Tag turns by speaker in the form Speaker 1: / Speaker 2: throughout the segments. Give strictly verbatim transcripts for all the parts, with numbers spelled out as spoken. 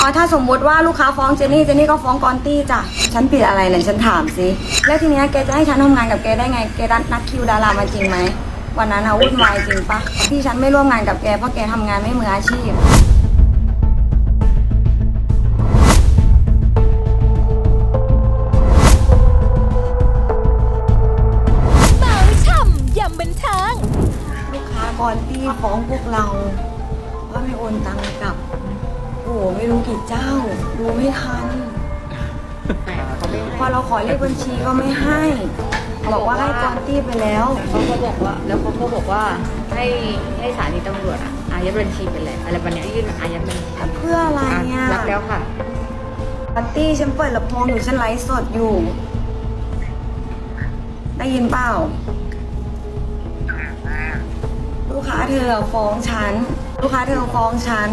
Speaker 1: อ๋อถ้าสมมติว่าลูกค้าฟ้องเจนนี่เจนนี่ก็ฟ้องกอนตี้จ้ะฉันผิดอะไรเนี่ยฉันถามสิแล้วทีเนี้ยแกจะให้ฉันทำงานกับแกได้ไงแกนัดคิวดารามาจริงไหมวันนั้นอะวุ่นวายจริงปะที่ฉันไม่ร่วมงานกับแกเพราะแกทำงานไม่มืออาชีพ
Speaker 2: เมาช่ำยำบันเทิง
Speaker 1: ลูกค้ากอนตี้ฟ้องพวกเราว่าไม่โอนตังค์กลับโอ้โหไม่รู้กี่เจ้าดูไม่ทันพอเราขอเลขบัญชีก็ไม่ให้บอกว่าให้กอนตี้ไปแล้ว
Speaker 3: เขาก็บอกว่าแล้วเขาก็บอกว่าให้ให้สถานีตำรวจอะอายัดบัญชีไปเลยอะไรแบบนี้ยื่นอายัดบัญชี
Speaker 1: เพื่ออะไรเนี่ย
Speaker 3: รับแล้วค่ะ
Speaker 1: กอนตี้ฉันเปิดลำโพงอยู่ฉันไลฟ์สดอยู่ได้ยินเปล่าลูกค้าเธอฟ้องฉันลูกค้าเธอฟ้องฉัน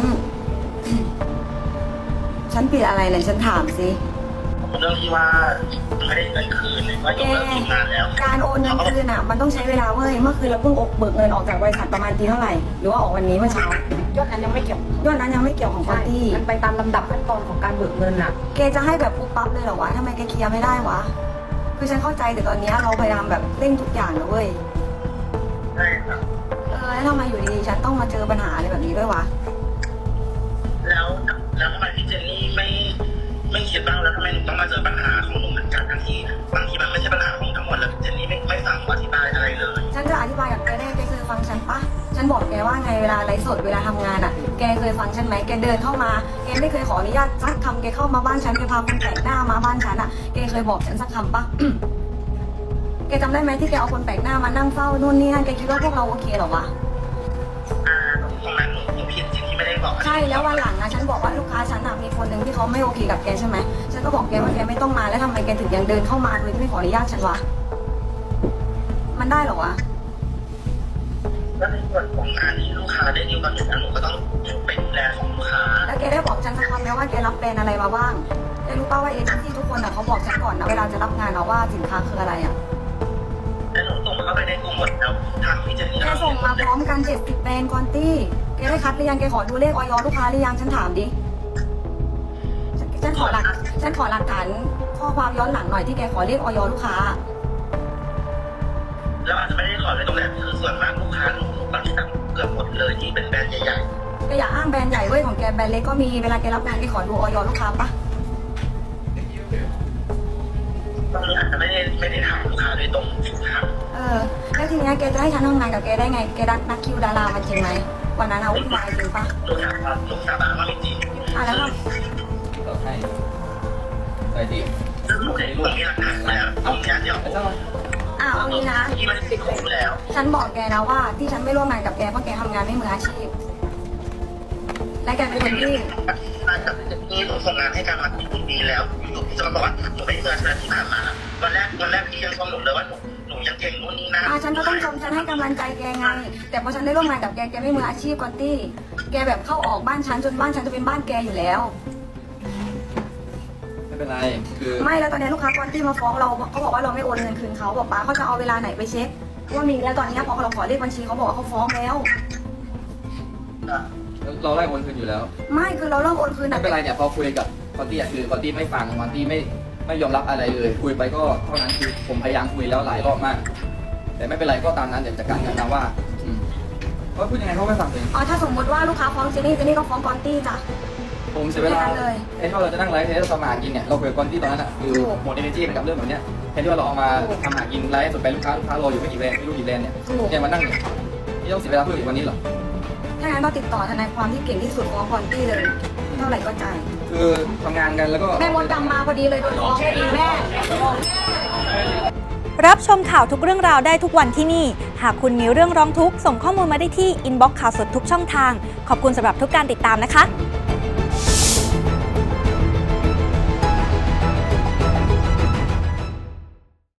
Speaker 1: ฉันผิดอะไรเนี่ยฉันถามสิ
Speaker 4: เรื่องที่ว่าไม่ได้เงินคืนเลยว่ายกเลิกทีมงานแล้ว
Speaker 1: การโอนเงินคืนอ่ะมันต้องใช้เวลาเว้ยเมื่อคืนเราเพิ่งอกเบิกเงินออกจากบริษัทประมาณตีเท่าไหร่หรือว่าออกวันนี้เมื่อเช้าย
Speaker 3: อดนั้นยังไม่เกี่ยวย
Speaker 1: อดนั้นยังไม่เกี่ยวของกอนตี้
Speaker 3: มันไปตามลำดับขั้นตอนของการเบิกเงินอะ
Speaker 1: แกจะให้แบบปุ๊บปั๊บเลยเหรอวะทำไมแกเคลียร์ไม่ได้วะคือฉันเข้าใจแต่ตอนนี้เราพยายามแบบเร่งทุกอย่างนะเว้ย
Speaker 4: ใช่ครับ
Speaker 1: เออแล้วทำไมอยู่ดีๆฉันต้องมาเจอปัญหาอะไรแบบนี้ด้วยวะ
Speaker 4: แล้วแล้วทำไมพี่เจนนี่ไม่ไม่คิดบ้างแล้วทำไมหนูต้องมาเจอปัญหาของหนูเหมือนกันทั้งที่บางทีมันไม่ใช่ปัญหาของทั้งหมดแล้วพี่เจนนี่ไม่ไม่ฟังหนูอธิบายอะไรเลย
Speaker 1: ฉันจะอธิบายกับแกได้แกเคยฟังฉันปะฉันบอกแกว่าไงเวลาไลฟ์สดเวลาทำงานอ่ะแกเคยฟังฉันไหมแกเดินเข้ามาแกไม่เคยขออนุญาตสักคำแกเข้ามาบ้านฉันแกพาคนแปลกหน้ามาบ้านฉันอ่ะแกเคยบอกฉันสักคำปะ แกจำได้ไหมที่แกเอาคนแปลกหน้ามานั่งเฝ้านู่นนี่นั่นแกคิดว่าพวกเราโอเคเหรอวะ
Speaker 4: อ่าตรงนั้นหนูหนูผิดจริงที่ไม่ได้บอก
Speaker 1: ใช่แล้ววันหลังนะฉันบอกว่าลูกค้าฉันอะมีคนหนึ่งที่เขาไม่โอเคกับแกใช่ไหมฉันก็บอกแกว่าแกไม่ต้องมาแล้วทำไมแกถึงยังเดินเข้ามาโดยที่ไม่ขออนุญาตฉันวะมันได้เหรอวะ
Speaker 4: แล้วในส่วนของงานที่ลูกค้าได้ดีลกับหนูหนูก็ต้องไปดูแลของลูกค้า
Speaker 1: แล้วแกได้บอกฉันสักคำไหมว่าแกรับแบรนด์อะไรมาบ้างแกรู้ป่าวว่าเอเจนซี่ทุกคนอะเขาบอกฉันก่อนนะเวลาจะรับงานเอาว่าสินค้าคืออะไรอะ
Speaker 4: แล้วหนูส่งเข้าไปในกลุ่มหมดแล้วทางพี่เจนนี่
Speaker 1: แกส่งมาพร้อมกันเจ็ดสิบแบรนด์กอนตี้แกได้คัดหรือยังแกขอดูเลขออยลูกค้าหรือยังฉันถามดิฉันฉันขอหลักฉันขอหลักฐานข้อความย้อนหลังหน่อยที่แกขอเลขออยลูกค้า
Speaker 4: แล้วอาจจะไม่ได้ขอเลยตรงนั้นคือส่วนมากลูกค้าหนูบางที่สั่งเกือบหมดเลยที่เป็นแบรนด์ใหญ่ๆ
Speaker 1: แกอย่าอ้างแบรนด์ใหญ่เว้ยของแกแบรนด์เล็กก็มีเวลาแกรับงานแกขอดูออยลูกค้าปะ
Speaker 4: ตอนนี้อาจจะไม่ได้ไม่ได้ถามลูกค้าโดยตรงครับ
Speaker 1: เออแล้วทีเนี้ยแกจะให้ฉันทำงานกับแกได้ไงแกนัดนัดคิวดารามาจริงไหมวันนั้นเอาวุ่นวายจริงปะ
Speaker 4: หนูถามว่าหนูสาบานว่าไม่จริง
Speaker 1: อ่ะแล้วก็
Speaker 5: เราให้ใส่ดิ
Speaker 4: ซึ่งหนูในหนูมีหลักฐานแล้วตรงเนี้ยเดี๋ยว
Speaker 5: ไม่ต้อง
Speaker 1: อ้าวเอางี้นะ
Speaker 4: ที่มันติดคุกแล้ว
Speaker 1: ฉันบอกแกนะว่าที่ฉันไม่ร่วมงานกับแกเพราะแกทำงานไม่มืออาชีพและแกเป็นคนที่
Speaker 4: มาจากนี่หนูส่งงานให้การมาถึงปีแล้วหนูจะมาบอกว่าหนูไม่ได้เจอเธอที่ผ่านมาวันแรกวันแรกที่ยังชมหนูเลยว่าหนูหนูยังเก่งนู่นนี่นั่น
Speaker 1: อ่ะฉันก็ต้องชมฉันให้กำลังใจแกไงแต่พอฉันได้ร่วมงานกับแกแกไม่มืออาชีพกอนตี้แกแบบเข้าออกบ้านฉันจนบ้านฉันจะเป็นบ้านแกอยู่แล้ว
Speaker 5: ไม่เป็นไรคือ
Speaker 1: ไม่แล้วตอนนี้ลูกค้ากอนตี้มาฟ้องเราเขาบอกว่าเราไม่โอนเงินคืนเขาบอกป้าเขาจะเอาเวลาไหนไปเช็คว่ามีแล้วตอนนี้พอเราขอเลขบัญชีเขาบอกว่าเขาฟ้องแล้ว
Speaker 5: เราไล่โอนคืนอยู่แล้ว
Speaker 1: ไม่คือเราเริ่มโอนคืน
Speaker 5: ไม่เป็นไรเนี่ยพอคุยกับคอนตี้คือคอนตี้ไม่ฟังคอนตี้ไม่ไม่ยอมรับอะไรเลย คุยไปก็เท่านั้นคือผมพยายามคุยแล้วหลายรอบมาก แต่ไม่เป็นไรก็ตามนั้นเดี๋ยวจัดการกันนะว่าอืมเขาพูดยังไงเขาไม่ฟังเลย
Speaker 1: อ๋อถ้าสมมติว่าลูกค้าฟ้องเจนนี่เจนนี่ก็ฟ้องกอนตี้จ้ะ
Speaker 5: ผมเสียเวลา
Speaker 1: ไม่เป็นไรเลย
Speaker 5: ไอ้ที่เราจะนั่งไลฟ์ให้เราทำมาหากินเนี่ยเราคุยกับคอนตี้ตอนนั้นอ่ะคือหมดเอเนจีไปกับเรื่องแบบเนี้ยแทนที่ว่าเราเอามาทำหากินไลฟ์สดไปลูกค้าลูกค้ารออยู่ไม่กี่แบรนด์ไม่รู้กี่แบรนด์เนี่ย
Speaker 1: ถูก
Speaker 5: เนี่ยมานั่งเนี่ยนี่ต้องเสียเวลาเพื่ออีกวันนี้เหรอ
Speaker 1: ถ้างั้นต้องติดต่อทนายความที่เก่งที่สุดฟ้องกอนตี้เลยเท่าไหร่ก็จ่าย
Speaker 5: คือทำงานกันแล้วก็
Speaker 1: แม่มดดำมาพอดีเลยโดนฟ้องอีกแม่
Speaker 2: รับชมข่าวทุกเรื่องราวได้ทุกวันที่นี่ หากคุณมีเรื่องร้องทุกข์ส่งข้อมูลมาได้ที่อินบ็อกซ์ข่าวสดทุกช่องทาง ขอบคุณสำหรับทุกการติดตามนะคะ